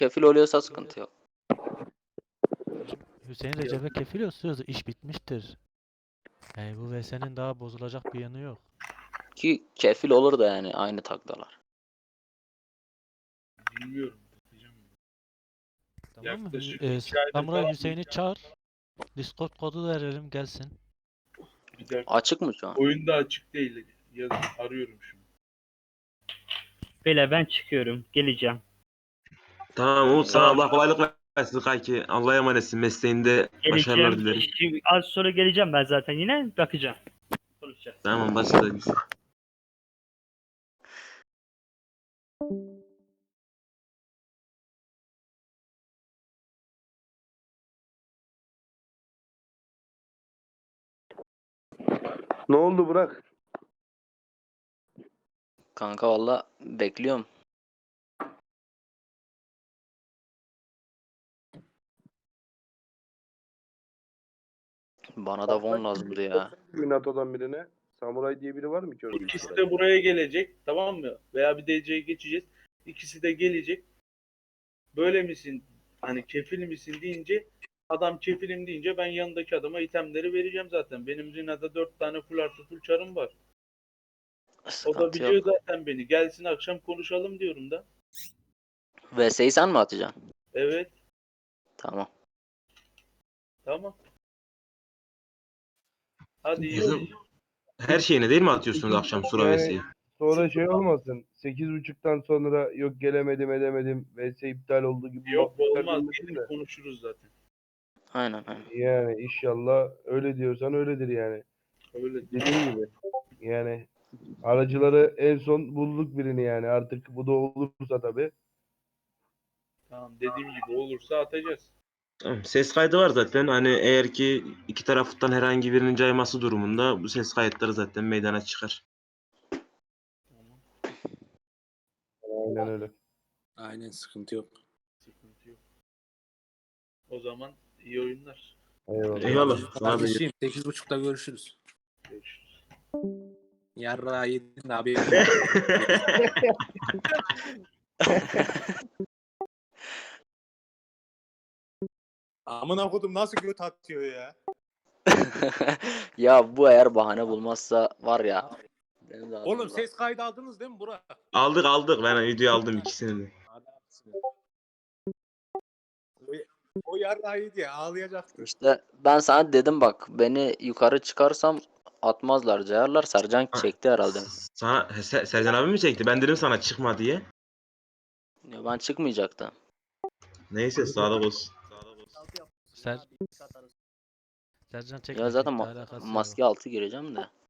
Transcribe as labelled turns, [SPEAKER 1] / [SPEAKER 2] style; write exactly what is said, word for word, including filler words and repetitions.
[SPEAKER 1] kefil oluyorsa sıkıntı yok.
[SPEAKER 2] Hüseyin Recep'e kefil olsun, iş bitmiştir. Yani bu V S'nin daha bozulacak bir yanı yok.
[SPEAKER 1] Ki kefil olur da yani aynı takdalar.
[SPEAKER 3] Bilmiyorum. Bakacağım.
[SPEAKER 2] Tamam mı?
[SPEAKER 3] Yaklaşık
[SPEAKER 2] Ee,
[SPEAKER 3] iki aydır
[SPEAKER 2] Samuray
[SPEAKER 3] falan
[SPEAKER 2] Hüseyin'i çağır. Discord kodu verelim gelsin.
[SPEAKER 3] bir dakika.
[SPEAKER 1] Açık mı şu an?
[SPEAKER 3] Oyunda açık değil. Yazın. Arıyorum şimdi.
[SPEAKER 4] Beyler ben çıkıyorum. Geleceğim.
[SPEAKER 5] Tamam Umut, sana Allah kolaylık versin kanki. Allah'a emanetsin. Mesleğinde başarılar
[SPEAKER 4] Geleceğim.
[SPEAKER 5] dilerim.
[SPEAKER 4] Şimdi az sonra geleceğim ben zaten yine. Bakacağım. Konuşacağız.
[SPEAKER 5] Tamam, başlayalım.
[SPEAKER 6] Ne oldu Burak?
[SPEAKER 1] Kanka valla bekliyorum. Bana da von lazımdı ya.
[SPEAKER 6] NATO'dan birine. Samuray diye biri var mı ki orada?
[SPEAKER 3] İkisi de buraya gelecek. Tamam mı? Veya bir D C'ye geçeceğiz. İkisi de gelecek. Böyle misin? Hani kefil misin deyince, adam kefilim deyince ben yanındaki adama itemleri vereceğim zaten. Benim Rina'da dört tane full artı full çarım var. O da
[SPEAKER 1] Sıkıntı
[SPEAKER 3] biliyor
[SPEAKER 1] yok.
[SPEAKER 3] zaten beni. Gelsin akşam konuşalım diyorum da.
[SPEAKER 1] V S'yi sen mi atacaksın?
[SPEAKER 3] Evet.
[SPEAKER 1] Tamam.
[SPEAKER 3] Tamam. Hadi iyi.
[SPEAKER 5] Bizim her şeyine değil mi atıyorsunuz akşam Sura
[SPEAKER 6] Yani-
[SPEAKER 5] Vesi'yi?
[SPEAKER 6] Sonra şey olmasın. sekiz buçuktan sonra yok gelemedim edemedim. V S iptal oldu gibi.
[SPEAKER 3] Yok
[SPEAKER 6] muhabbetler
[SPEAKER 3] olmaz.
[SPEAKER 6] dönmesin
[SPEAKER 3] Gelin
[SPEAKER 6] de.
[SPEAKER 3] konuşuruz zaten.
[SPEAKER 1] Aynen aynen.
[SPEAKER 6] Yani inşallah öyle diyorsan öyledir yani.
[SPEAKER 3] Öyle.
[SPEAKER 6] Dediğim gibi. Yani aracıları en son bulduk birini yani. Artık bu da olursa tabii.
[SPEAKER 3] Tamam, dediğim gibi olursa atacağız.
[SPEAKER 5] Tamam, ses kaydı var zaten. Hani eğer ki iki taraftan herhangi birinin cayması durumunda bu ses kayıtları zaten meydana çıkar.
[SPEAKER 3] Tamam.
[SPEAKER 6] Aynen öyle.
[SPEAKER 7] Aynen, sıkıntı yok.
[SPEAKER 3] Sıkıntı yok. O zaman iyi oyunlar.
[SPEAKER 6] Eyvallah.
[SPEAKER 5] Eyvallah. Sana da
[SPEAKER 7] Kardeşim sekiz buçukta görüşürüz.
[SPEAKER 3] Görüşürüz.
[SPEAKER 7] Yarra yedin de abi. Amına kodum nasıl göt atıyor ya?
[SPEAKER 1] Ya bu eğer bahane bulmazsa var ya. Benim de adım
[SPEAKER 7] Oğlum
[SPEAKER 1] var.
[SPEAKER 7] ses kaydı aldınız değil mi Burak?
[SPEAKER 5] aldık aldık. Ben video aldım ikisini de.
[SPEAKER 7] Adamsın. O, o yarra yedi ya, ağlayacaktı.
[SPEAKER 1] İşte ben sana dedim bak beni yukarı çıkarsam atmazlar cayarlar. Sercan çekti herhalde.
[SPEAKER 5] Sana Ser- Sercan abi mi çekti? Ben dedim sana çıkma diye.
[SPEAKER 1] Ya ben çıkmayacaktım.
[SPEAKER 5] Neyse, sağlık olsun.
[SPEAKER 2] Ser... Sercan
[SPEAKER 1] Ya
[SPEAKER 2] çekmeyecekti,
[SPEAKER 1] zaten ma-
[SPEAKER 2] alakası yok.
[SPEAKER 1] maske altı gireceğim de.